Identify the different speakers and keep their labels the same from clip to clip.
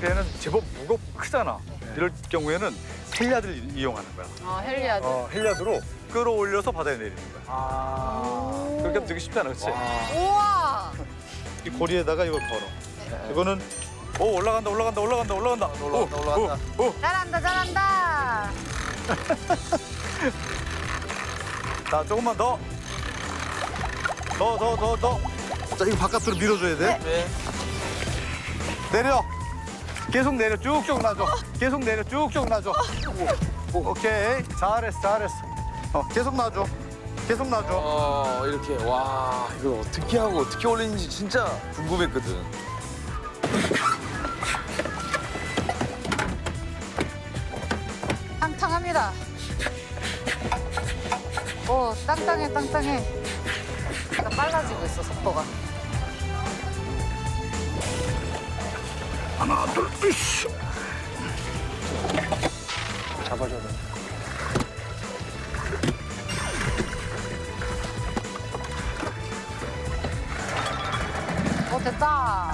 Speaker 1: 배는 제법 무겁고 크잖아. 이럴 경우에는 헬리아드를 이용하는 거야.
Speaker 2: 아, 헬리아드.
Speaker 1: 헬리아드로 끌어올려서 바다에 내리는 거야. 그렇게 하면 되게 쉽잖아, 그렇지?
Speaker 2: 우와.
Speaker 1: 이 고리에다가 이걸 걸어. 이거는 올라간다.
Speaker 3: 올라간다.
Speaker 2: 잘한다, 잘한다.
Speaker 1: 자, 조금만 더. 더. 자, 이거 바깥으로 밀어줘야 돼.
Speaker 3: 네.
Speaker 1: 내려. 계속 내려. 쭉쭉 놔줘. 계속 내려. 쭉쭉 놔줘. 오케이. 잘했어. 계속 놔줘.
Speaker 3: 이렇게 와 이걸 어떻게 하고 어떻게 올리는지 진짜 궁금했거든.
Speaker 2: 탕탕합니다. 오, 땅땅해. 약간 빨라지고 있어, 속도가.
Speaker 1: 하나, 둘, 으쌰. 잡아줘야 돼.
Speaker 2: 됐다.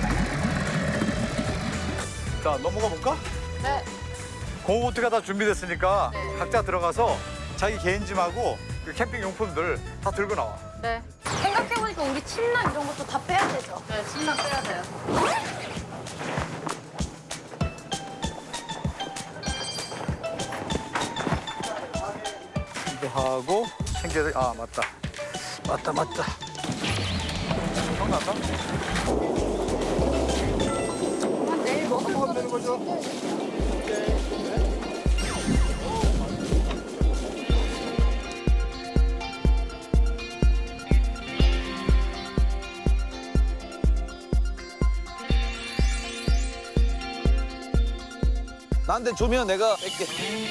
Speaker 1: 자, 넘어가 볼까?
Speaker 2: 네.
Speaker 1: 고보트가 다 준비됐으니까
Speaker 2: 네.
Speaker 1: 각자 들어가서 자기 개인 짐하고 그 캠핑 용품들 다 들고 나와.
Speaker 2: 네.
Speaker 4: 생각해보니까 우리 침낭 이런 것도 다 빼야 되죠?
Speaker 2: 네, 침낭 빼야 돼요.
Speaker 1: 이거 하고 챙겨야 돼. 아, 맞다. 생각났다?
Speaker 4: 내일 먹을
Speaker 1: 되는 거죠?
Speaker 3: 나한테 주면 내가 뺄게.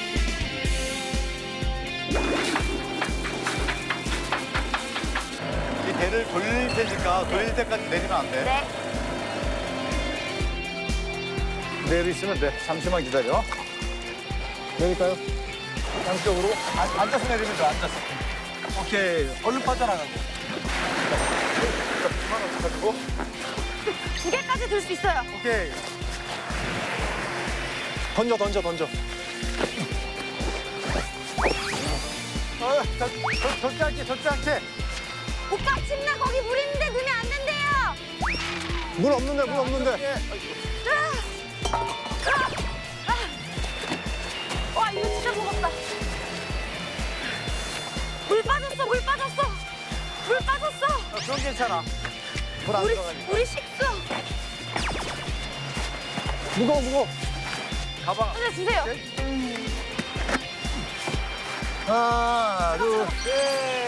Speaker 1: 이 배를 돌릴 테니까 돌릴 때까지 내리면 안 돼.
Speaker 4: 네.
Speaker 1: 그대로 있으면 돼. 잠시만 기다려. 내릴까요? 양쪽으로. 앉아서 내리면 돼, 앉아서. 오케이. 얼른 빠져나가고. 자, 그만 가지고.
Speaker 4: 2개까지 들 수 있어요.
Speaker 1: 오케이. 던져. 젖지 않게.
Speaker 4: 오빠 침낭 거기 물 있는데 넣으면 안 된대요.
Speaker 1: 물 없는데.
Speaker 4: 와 이거 진짜 무겁다. 물 빠졌어.
Speaker 1: 그건 괜찮아. 물 안 들어가니까.
Speaker 4: 우리 식수.
Speaker 1: 무거워. 가방.
Speaker 4: 하나 주세요.
Speaker 1: 하나, 둘, 셋.